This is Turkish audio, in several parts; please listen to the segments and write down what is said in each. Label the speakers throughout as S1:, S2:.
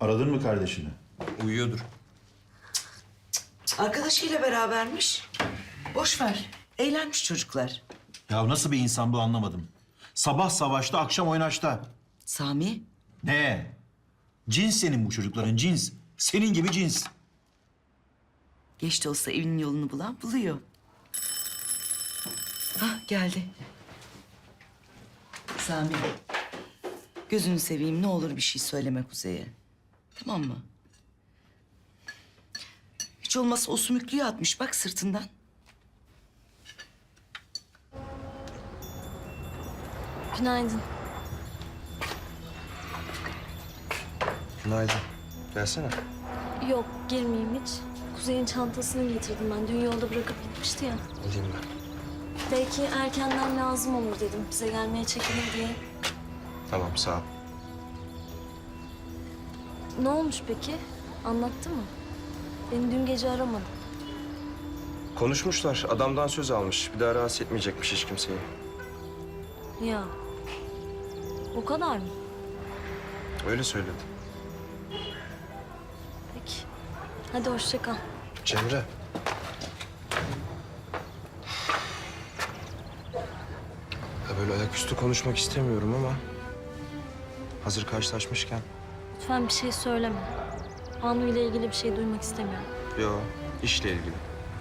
S1: Aradın mı kardeşini?
S2: Uyuyordur.
S3: Arkadaşıyla berabermiş. Boş ver. Eğlenmiş çocuklar.
S1: Ya nasıl bir insan bu anlamadım. Sabah savaşta, akşam oynaşta.
S3: Sami,
S1: Ne? Cins senin bu çocukların, cins. Senin gibi cins.
S3: geç de olsa evinin yolunu bulan buluyor. Hah, geldi. Sami, gözünü seveyim, ne olur bir şey söyleme Kuzey'e. Tamam mı? Hiç olmazsa o sümüklüyü atmış bak sırtından.
S4: Günaydın.
S2: Günaydın. Gelsene.
S4: Yok, girmeyeyim hiç. Kuzey'in çantasını getirdim ben. Dün yolda bırakıp gitmişti ya.
S2: Alayım ben.
S4: Belki erkenden lazım olur dedim. Bize gelmeye çekinir diye.
S2: Tamam, sağ ol.
S4: Ne olmuş peki? Anlattı mı? Beni dün gece aramadı.
S2: Konuşmuşlar. Adamdan söz almış. Bir daha rahatsız etmeyecekmiş hiç kimseyi.
S4: Ya. O kadar mı?
S2: Öyle söyledi.
S4: Peki. Hadi hoşça kal.
S2: Cemre. Ya böyle ayaküstü konuşmak istemiyorum ama... hazır karşılaşmışken...
S4: Lütfen bir şey söyleme. Banu ile ilgili bir şey duymak istemiyorum.
S2: Yo, işle ilgili.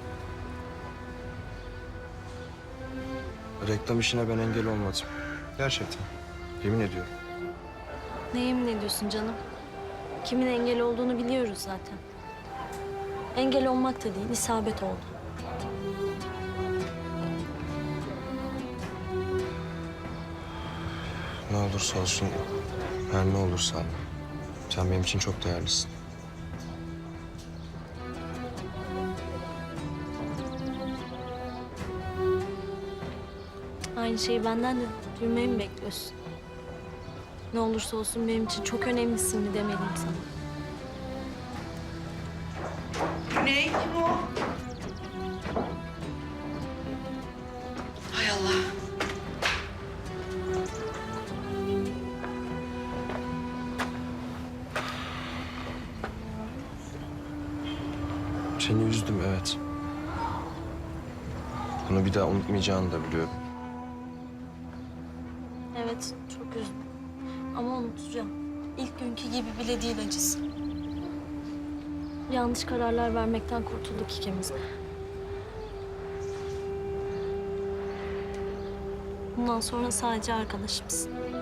S2: Reklam işine ben engel olmadım. Gerçekten. Yemin ediyorum.
S4: Ne yemin ediyorsun canım? Kimin engel olduğunu biliyoruz zaten. Engel olmak da değil, isabet oldu.
S2: Ne olursa olsun, her ne olursa sen benim için çok değerlisin.
S4: Aynı şeyi benden de duymayı mı bekliyorsun? Ne olursa olsun benim için çok önemlisin mi demeliyim sana?
S3: Ne? Kim o? Hay Allah.
S2: Seni üzdüm, evet. Bunu bir daha unutmayacağını da biliyorum.
S4: Evet, çok üzüldüm. Ama unutacağım. İlk günkü gibi bile değil acısı. Yanlış kararlar vermekten kurtulduk ikimiz. Bundan sonra sadece arkadaşımız.